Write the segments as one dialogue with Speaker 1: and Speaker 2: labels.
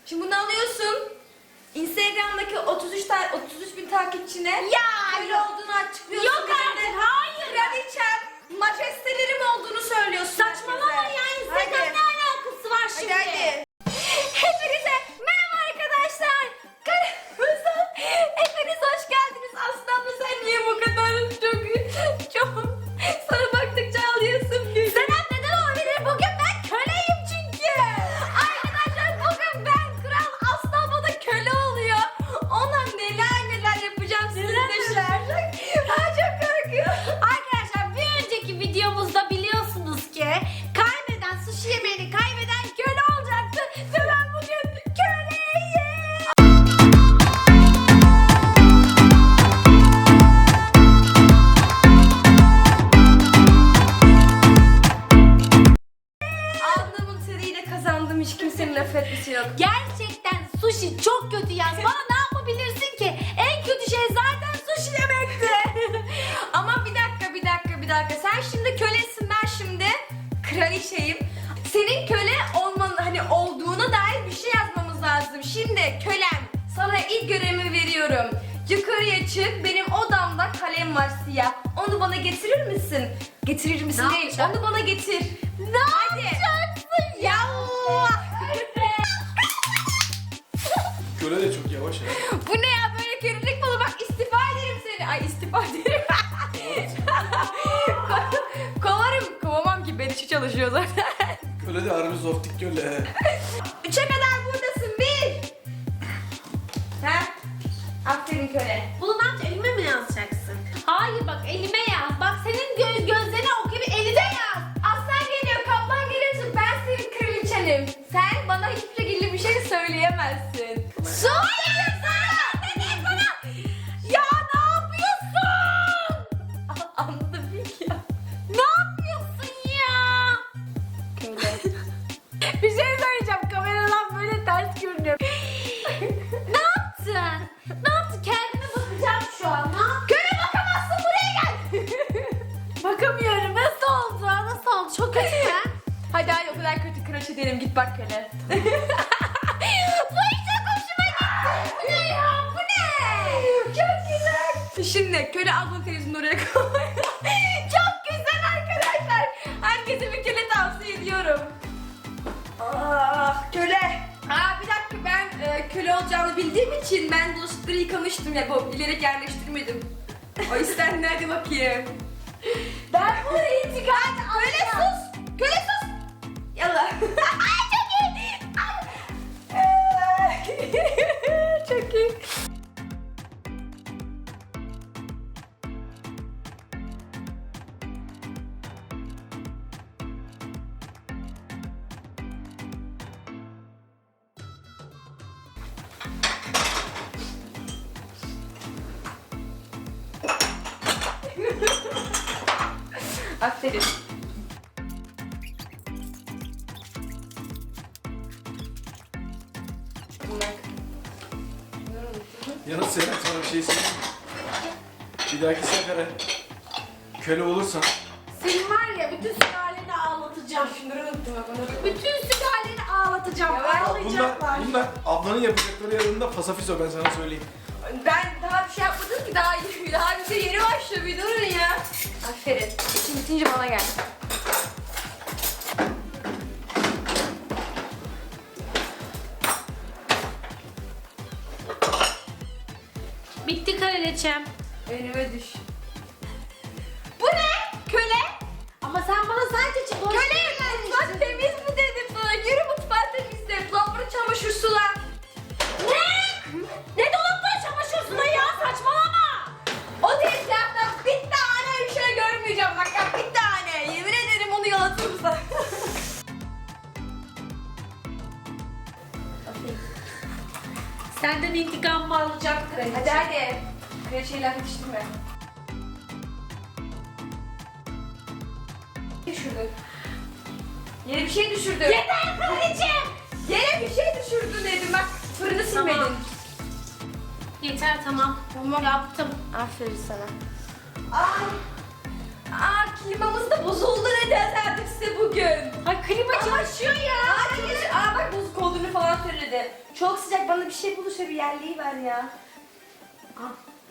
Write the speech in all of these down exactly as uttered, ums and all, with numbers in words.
Speaker 1: Şimdi bunu alıyorsun. Instagram'daki otuz üç ta otuz üç bin takipçine
Speaker 2: Ya
Speaker 1: öyle olduğunu açıklıyorsun.
Speaker 2: Yok artık, hayır.
Speaker 1: Kraliçem, majestelerim olduğunu söylüyorsun.
Speaker 2: Saçmalama ya, Instagram ne alakası var şimdi?
Speaker 1: Hadi hadi. Hepinize merhaba arkadaşlar. Kanalımıza hepiniz hoş geldiniz. Aslında sen niye bu kadar çok çok sana baktıkça ağlıyorsun gülüm.
Speaker 2: Senem neden olabilir? Bugün ben köleyim çünkü.
Speaker 1: Arkadaşlar bugün ben kral, aslan bana köle oluyor. Ona neler neler yapacağım siz
Speaker 2: Neler
Speaker 1: de şaşıracak. Ha, çok korkuyorum.
Speaker 2: Arkadaşlar bir önceki videomuzda biliyorsunuz ki kaybeden sushi yemeğini kaybeden köle olacaktı. Ve ben bugün köleyim.
Speaker 1: Alnımın teriyle kazandım, hiç kimsenin laf etmesi yok.
Speaker 2: Gerçekten sushi çok kötü ya. Bana ne yapabilirsin ki? En kötü şey zaten sushi yemekti.
Speaker 1: Ama bir dakika bir dakika bir dakika. Sen şimdi kölesin, ben şimdi kraliçeyim. Senin köle olman, hani olduğuna dair bir şey yazmamız lazım. Şimdi kölem, sana ilk görevimi veriyorum. Yukarıya çık, benim odamda kalem var siyah. Onu bana getirir misin? Getirir misin
Speaker 2: Ne
Speaker 1: değil,
Speaker 2: yapacağım?
Speaker 1: onu bana getir.
Speaker 2: Ne yapacaksın ya?
Speaker 3: Köle de çok yavaş ya.
Speaker 1: Bu ne ya, böyle kölelik mi olur? Bak istifa ederim seni. Ay istifa ederim. Ko- Kovarım. Kovamam ki, ben işi çalışıyor zaten.
Speaker 3: Köle de harbi zoftik köle.
Speaker 1: Üçe kadar buradasın. Bir. Ha? Aferin köle.
Speaker 2: Bunu ne yapacaksın? Elime mi yazacaksın? Hayır bak elime yaz. Bak senin gö gözlerine okuyup eline yaz.
Speaker 1: Aslan geliyor, kaplan geliyorsun. Ben senin kraliçenim. Sen bana hiçbir şekilde bir şey söyleyemezsin.
Speaker 2: Sus! Ne diyeyim sana? Ya ne yapıyorsun?
Speaker 1: Anladım ilk ya.
Speaker 2: Ne yapıyorsun ya?
Speaker 1: Köle.
Speaker 2: Bir şey söyleyeceğim. Kameradan böyle ters görünüyor. Ne yaptın? Ne yaptın? Kendime bakacağım şu an. Ne yaptın?
Speaker 1: Köle bakamazsın, buraya gel.
Speaker 2: Bakamıyorum. Nasıl oldu? Nasıl oldu? Çok kötü ya.
Speaker 1: Hadi hadi, o kadar kötü crush ederim, git bak köle.
Speaker 2: Bu hiç çok hoşuma gitti. Bu ne ya? Bu ne?
Speaker 1: Çok güzel. Şimdi köle abla televizyonu oraya koy. Çok güzel arkadaşlar. Herkese bir köle tavsiye ediyorum. Ah köle. Aa bir dakika, ben e, köle olacağını bildiğim için ben bulaşıkları yıkamıştım ya, bu bilerek yerleştirmedim. O yüzden hadi bakayım.
Speaker 2: Ben bunu intikam
Speaker 1: Köle sus. Köle sus. Yallah. Ay çok iyi. Ay. Çok iyi. Aferin.
Speaker 3: Yalnız Seren, sana bir şey söyleyeyim mi? Bir dahaki sefere köle olursan
Speaker 2: Senin var ya bütün sülaleni ağlatacağım.
Speaker 1: Şunları unuttum ben bunu.
Speaker 2: Bütün sülaleni ağlatacağım.
Speaker 1: Ya ben-
Speaker 3: bunlar,
Speaker 2: Ağlayacaklar.
Speaker 3: bunlar ablanın yapacakları yanında fasafiso, ben sana söyleyeyim.
Speaker 1: Ben daha bir şey yapmadım ki, daha daha bize yeni başlıyor, bir durun ya. Aferin. İşin bitince bana gel.
Speaker 2: Bitti kraliçem.
Speaker 1: Önüme düş. Bu ne? Köle?
Speaker 2: Ama sen bana sadece çikolata
Speaker 1: Köle! Mutfak temiz mi dedim sana? Yürü mutfağı temizle. Dolapları çamaşır sula.
Speaker 2: Ne? Ne dolapları çamaşır suyu ya? Saçmalama.
Speaker 1: O tezgahtan bir tane bir şey görmeyeceğim. Bak ya, bir tane. Yemin ederim onu yalatırım sana.
Speaker 2: Senden intikam mı alacağım kraliçem?
Speaker 1: Hadi hadi. Kraliçeyi laf yetiştirme. Düşürdün. Yere bir şey düşürdün.
Speaker 2: Yeter kraliçem.
Speaker 1: Yere bir şey düşürdün dedim. Bak fırını silmedin.
Speaker 2: Tamam. Yeter tamam.
Speaker 1: Tamam.
Speaker 2: Yaptım.
Speaker 1: Aferin sana. Ay. Aa klimamız da bozuldu neden artık size bugün.
Speaker 2: Ay klima çalışıyor ya.
Speaker 1: Hayır. Aa bak bozuk olduğunu falan söyledi. Çok sıcak bana bir şey bulursa bir yerliği ver ya. Aa.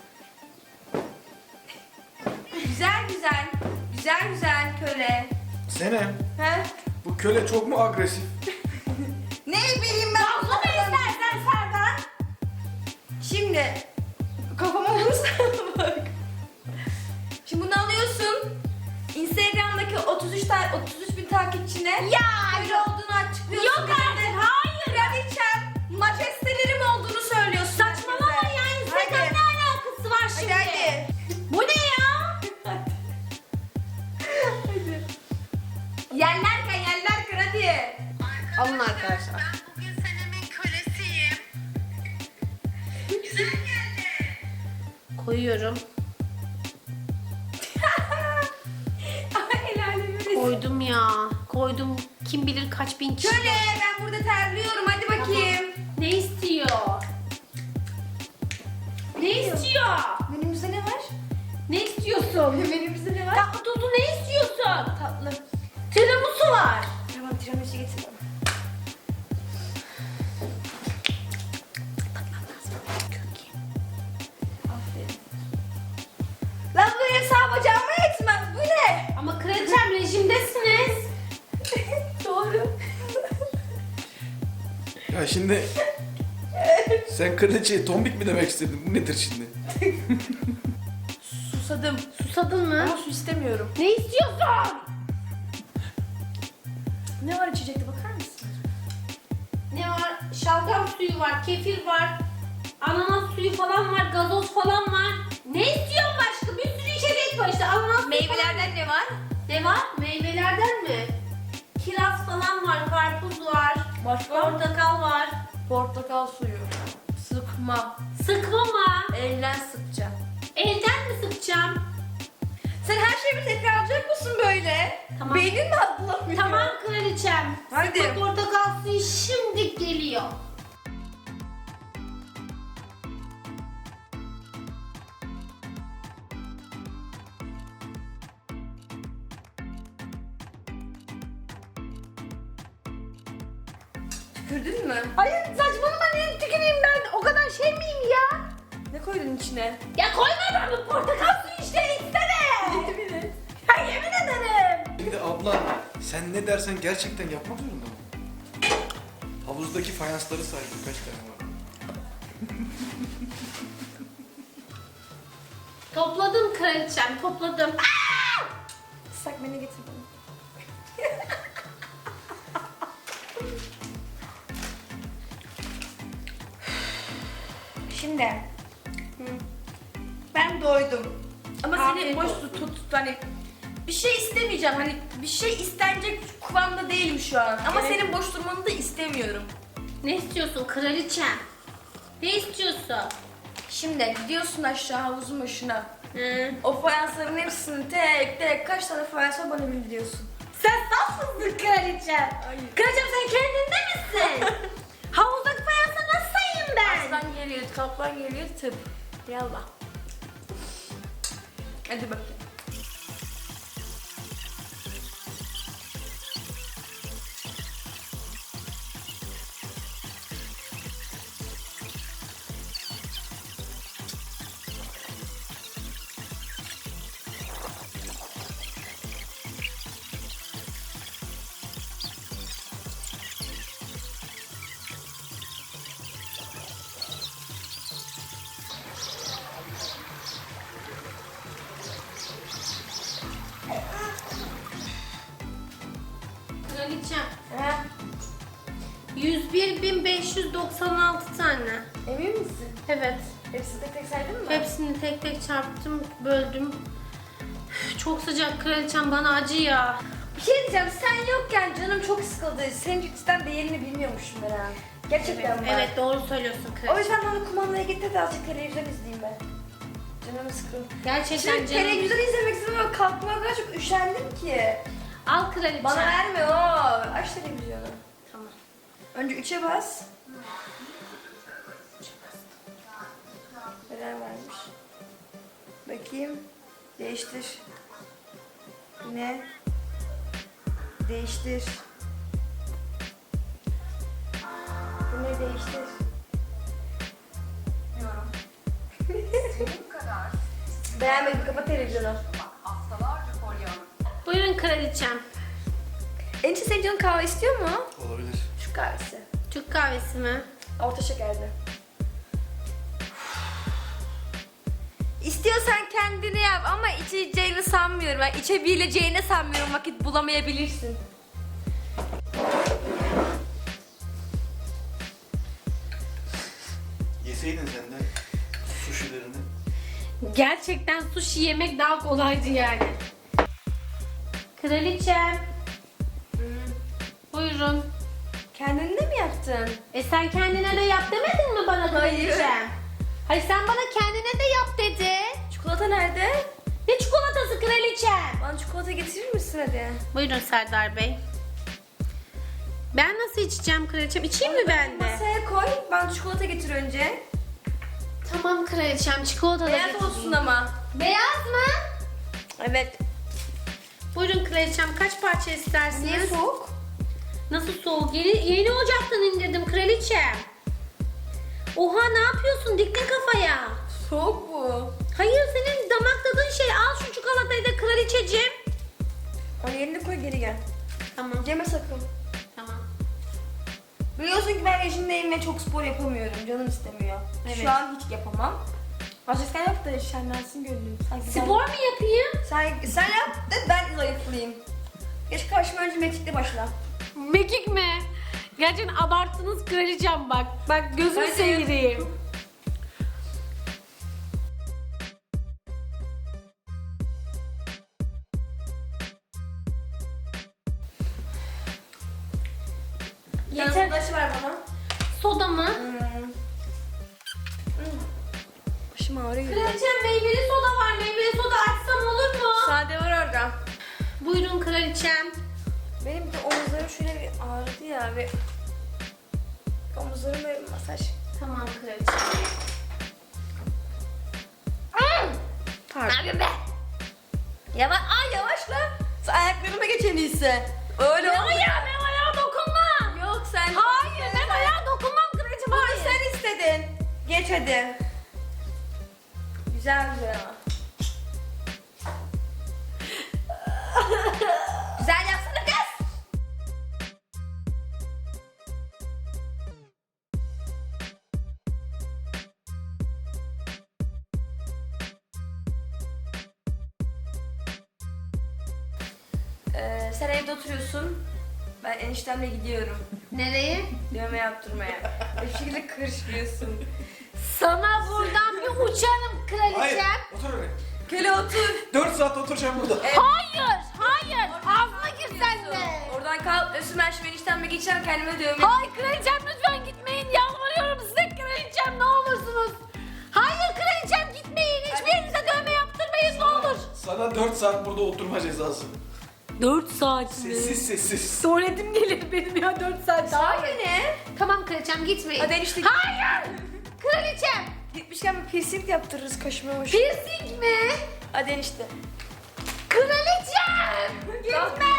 Speaker 1: Güzel güzel. Güzel güzel köle.
Speaker 3: Senem,
Speaker 1: He?
Speaker 3: bu köle çok mu agresif?
Speaker 1: Ne bileyim ben.
Speaker 2: Fazla mı istersen Serdar?
Speaker 1: Şimdi kafama vurursa bak. Şimdi bunu alıyorsun. Instagram'daki otuz üç tane otuz üç bin takipçine
Speaker 2: Ya
Speaker 1: köle olduğunu açıklıyorsun.
Speaker 2: yok artık, hayır.
Speaker 1: Kraliçem, majestelerim olduğunu söylüyorsun.
Speaker 2: Saçmalama
Speaker 1: herkese.
Speaker 2: ya, Instagram
Speaker 1: Hadi.
Speaker 2: ne alakası var
Speaker 1: Hadi
Speaker 2: şimdi?
Speaker 1: hadi.
Speaker 2: Bu ne ya?
Speaker 1: Hadi. Yerlerken yerler kır hadi.
Speaker 2: Alın arkadaşlar.
Speaker 4: Ben bugün Senem'in kölesiyim. Güzel geldi.
Speaker 2: Koyuyorum.
Speaker 1: Ay el alemi resim.
Speaker 2: Koydum ya. Koydum. Kim bilir kaç bin kişi.
Speaker 1: Köle ben burada terliyorum hadi bakayım.
Speaker 2: Ne istiyor? Ne istiyor?
Speaker 1: Menümüzde ne var?
Speaker 2: Ne istiyorsun?
Speaker 1: Menümüzde ne var?
Speaker 2: Tatlı tuzlu ne istiyorsun?
Speaker 1: Tatlı.
Speaker 2: Tiramisu var.
Speaker 1: Tamam tiramisu getir bana. Aferin. Lan bu hesap bacağıma yetmez. Bu ne?
Speaker 2: Ama kraliçem rejimdesiniz.
Speaker 1: Doğru.
Speaker 3: Ya şimdi sen kraliçeye tombik mi demek istedin? Bu nedir şimdi?
Speaker 1: Susadım.
Speaker 2: Susadın mı?
Speaker 1: Ama su istemiyorum.
Speaker 2: Ne istiyorsun?
Speaker 1: Ne var içecekte bakar mısın?
Speaker 2: Ne var? Şalgam suyu var, kefir var, ananas suyu falan var, gazoz falan var. Ne istiyorsun başka? Bir sürü içecek var işte. Ananas suyu
Speaker 1: Meyvelerden ne var?
Speaker 2: falan. Ne var? Meyvelerden mi? Kiraz falan var, karpuz var,
Speaker 1: Başka?
Speaker 2: portakal var.
Speaker 1: Portakal suyu. Sıkma.
Speaker 2: Sıkma mı?
Speaker 1: Elden sıkacağım.
Speaker 2: Elden mi sıkacağım?
Speaker 1: Sen her şeyi tekrarlayacak mısın böyle?
Speaker 2: Tamam.
Speaker 1: Beynin mi atlamıyor?
Speaker 2: Tamam kraliçem.
Speaker 1: Hadi.
Speaker 2: Sıkma portakal suyu şimdi geliyor.
Speaker 1: Tükürdün mü?
Speaker 2: Hayır saçmalama, ne tüküreyim ben? O kadar şey miyim ya?
Speaker 1: Ne koydun içine?
Speaker 2: Ya koyma ben bu portakal suyu işte isteme.
Speaker 1: Yemin et.
Speaker 2: Ya yemin ederim.
Speaker 3: Şimdi abla sen ne dersen gerçekten yapmak zorunda mı? Havuzdaki fayansları say kaç tane var?
Speaker 2: Topladım kraliçem, topladım. Aa!
Speaker 1: Islak beni getir bana. Şimdi. Ben doydum. Ama seni
Speaker 2: Afiyet
Speaker 1: boş
Speaker 2: olsun.
Speaker 1: tut, tut, tut hani bir şey istemeyeceğim. Hani bir şey istenecek kıvamda değilim şu an. Ama
Speaker 2: Evet.
Speaker 1: senin boş durmanı da istemiyorum.
Speaker 2: Ne istiyorsun kraliçem? Ne istiyorsun?
Speaker 1: Şimdi gidiyorsun aşağı havuzun başına.
Speaker 2: Hı.
Speaker 1: O fayansların hepsini tek tek kaç tane fayans var bana bildiriyorsun.
Speaker 2: Sen saf mısın kraliçem?
Speaker 1: Hayır.
Speaker 2: Kraliçem sen kendinde misin? Havuzdaki fayansa nasıl sayayım ben?
Speaker 1: Aslan geliyor, kaplan geliyor, tıp. Yallah. Hadi bakayım.
Speaker 2: Kraliçem.
Speaker 1: Ha,
Speaker 2: yüz bir bin beş yüz doksan altı tane.
Speaker 1: emin misin?
Speaker 2: Evet.
Speaker 1: Hepsini tek tek saydın mı?
Speaker 2: Hepsini tek tek çarptım, böldüm. Üf, çok sıcak kraliçem, bana acı ya.
Speaker 1: Bir şey diyeceğim, sen yokken canım çok sıkıldı. Senin cidden değerini bilmiyormuşum ben ha. Gerçekten
Speaker 2: Evet,
Speaker 1: bak.
Speaker 2: evet doğru söylüyorsun
Speaker 1: O
Speaker 2: kraliçem.
Speaker 1: yüzden bana kumandaya getir de azıcık televizyon izleyeyim ben. Canım sıkıldı.
Speaker 2: Gerçekten
Speaker 1: Şimdi
Speaker 2: canım.
Speaker 1: televizyon izlemek istedim ama kalkmaya kadar çok üşendim ki.
Speaker 2: Al kraliçem.
Speaker 1: Bana verme o. Aç televizyonu.
Speaker 2: Tamam.
Speaker 1: Önce üçe bas. Neler varmış? Bakayım. Değiştir. Ne? Değiştir. Bu ne değiştir? Bilmiyorum.
Speaker 4: Senin kadar
Speaker 1: Beğenmedim, kapat televizyonu.
Speaker 4: bak haftalarca kolyem.
Speaker 2: Buyurun kraliçem.
Speaker 1: Enişte senin canın kahve istiyor mu?
Speaker 3: Olabilir.
Speaker 1: Şu kahvesi.
Speaker 2: Türk kahvesi mi?
Speaker 1: Orta şekerli. İstiyorsan kendini yap ama içeceğini sanmıyorum. Ben içebileceğini sanmıyorum, vakit bulamayabilirsin.
Speaker 3: Yeseydin sen de suşilerini.
Speaker 2: Gerçekten sushi yemek daha kolaydı yani. Kraliçem. Buyurun.
Speaker 1: Kendini de mi yaptın?
Speaker 2: E sen kendine de yap demedin mi bana kraliçem?
Speaker 1: Hayır.
Speaker 2: Hayır sen bana kendine de yap dedi.
Speaker 1: Çikolata nerede?
Speaker 2: Ne çikolatası kraliçem?
Speaker 1: Bana çikolata getirir misin hadi?
Speaker 2: Buyurun Serdar Bey. Ben nasıl içeceğim kraliçem? İçeyim mi ben de?
Speaker 1: Masaya koy, bana çikolata getir önce.
Speaker 2: Tamam kraliçem çikolata da
Speaker 1: Beyaz
Speaker 2: getireyim.
Speaker 1: olsun ama.
Speaker 2: Beyaz mı?
Speaker 1: Evet.
Speaker 2: Buyurun kraliçem kaç parça istersiniz?
Speaker 1: Niye soğuk?
Speaker 2: Nasıl soğuk? Yeni, yeni ocaktan indirdim kraliçem. Oha ne yapıyorsun? Diktin kafaya.
Speaker 1: Soğuk bu.
Speaker 2: Hayır senin damak tadın şey. Al şu çikolatayı da kraliçeciğim.
Speaker 1: Onu yerine koy, geri gel.
Speaker 2: Tamam.
Speaker 1: Yeme sakın.
Speaker 2: Tamam.
Speaker 1: Biliyorsun ki ben rejimdeyim ve çok spor yapamıyorum. Canım istemiyor.
Speaker 2: Evet.
Speaker 1: Şu an hiç yapamam. Azıcık sen yap da şenlensin gönlüm. Sanki ben-
Speaker 2: Spor mu yapayım?
Speaker 1: Sen, sen yap da ben zayıflayayım. Geç karşıma, önce mekikle başla.
Speaker 2: Mekik mi? Gerçekten abarttınız kraliçem bak. Bak gözümü
Speaker 1: Hadi.
Speaker 2: seyireyim.
Speaker 1: Yeter.
Speaker 2: Yeter.
Speaker 1: Ulaşı ver bana.
Speaker 2: Soda mı?
Speaker 1: Hmm. Başım ağrıyor.
Speaker 2: Kraliçem meyveli soda var. Meyveli soda açsam olur mu?
Speaker 1: Sade var orada.
Speaker 2: Buyurun kraliçem.
Speaker 1: Benim de omuzlarım şöyle bir ağrıdı ya ve omuzlarıma bir masaj.
Speaker 2: Tamam kraliçem.
Speaker 1: Pardon. Ne yapıyorsun be? Yavaş, ay yavaşla. Sen ayaklarıma geç en iyisi. Öyle
Speaker 2: Ne
Speaker 1: olmuyor.
Speaker 2: ayağı? Benim ayağa dokunma.
Speaker 1: Yok sen.
Speaker 2: Hayır ben ayağa dokunmam kraliçem.
Speaker 1: Hayır
Speaker 2: Hayır.
Speaker 1: sen istedin. Geç hadi. Güzel güzel ama. Güzel yapsana kız. Ee, sen evde oturuyorsun. Ben eniştemle gidiyorum.
Speaker 2: Nereye?
Speaker 1: Dövme yaptırmaya. Bir şekilde kırışmıyorsun.
Speaker 2: Sana buradan bir uçarım
Speaker 3: Hayır.
Speaker 2: kraliçem.
Speaker 3: Otur oraya.
Speaker 1: Köle otur.
Speaker 3: dört saat oturacağım burada.
Speaker 1: Evet.
Speaker 2: Hayır, hayır. Ağzına gir sen de.
Speaker 1: Oradan kalk, Özüm ben şimdi eniştemle geçeceğim, kendime dövme.
Speaker 2: Hayır kraliçem lütfen gitmeyin. Yalvarıyorum size kraliçem ne olursunuz. Hayır kraliçem gitmeyin. Hiçbir yerinize dövme yaptırmayın ne olur.
Speaker 3: Sana dört saat burada oturma cezası.
Speaker 2: dört saat
Speaker 3: Sessiz sessiz.
Speaker 2: Tuvaletim gelir benim ya dört saat daha.
Speaker 1: Hayır ne?
Speaker 2: Tamam kraliçem gitmeyin.
Speaker 1: Hadi enişte.
Speaker 2: Hayır. Kraliçem.
Speaker 1: Gitmişken bir piercing yaptırırız kaşıma hoş.
Speaker 2: Piercing mi?
Speaker 1: Hadi enişte.
Speaker 2: Kraliçem. Gitme.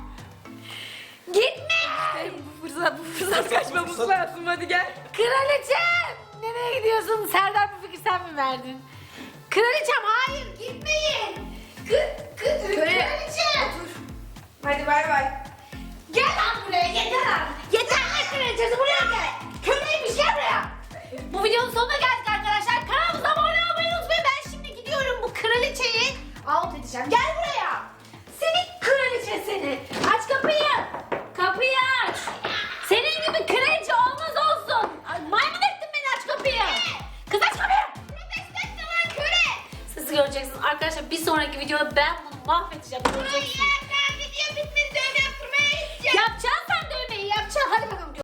Speaker 2: Gitme.
Speaker 1: Bu fırsat, bu fırsat kaçmamız
Speaker 3: fırsat.
Speaker 1: lazım, hadi gel.
Speaker 2: Kraliçem. Nereye gidiyorsun? Serdar bu fikri sen mi verdin? Kraliçem hayır gitmeyin. Kı, kı,
Speaker 1: Köle-
Speaker 2: kraliçem.
Speaker 1: Hadi bay bay.
Speaker 2: Gel lan buraya yeter lan. Yeter lan kraliçesi buraya gel. Köleymiş gel buraya. Bu videonun sonuna geldik arkadaşlar. Kanalımıza abone olmayı unutmayın. Ben şimdi gidiyorum bu kraliçeyi out edeceğim. Gel buraya. Seni kraliçe seni. Aç kapıyı. Kapıyı aç. Senin gibi kraliçe olmaz olsun. Ay, maymun ettin beni aç kapıyı. Kız aç kapıyı. Protest lan köle. Siz göreceksiniz arkadaşlar bir sonraki videoda ben bunu mahvedeceğim. Göreceksiniz.
Speaker 1: Video bitmedi, dövme yaptırmaya gideceğim.
Speaker 2: Yapacaksın sen dövmeyi yapacaksın. Hadi bakalım.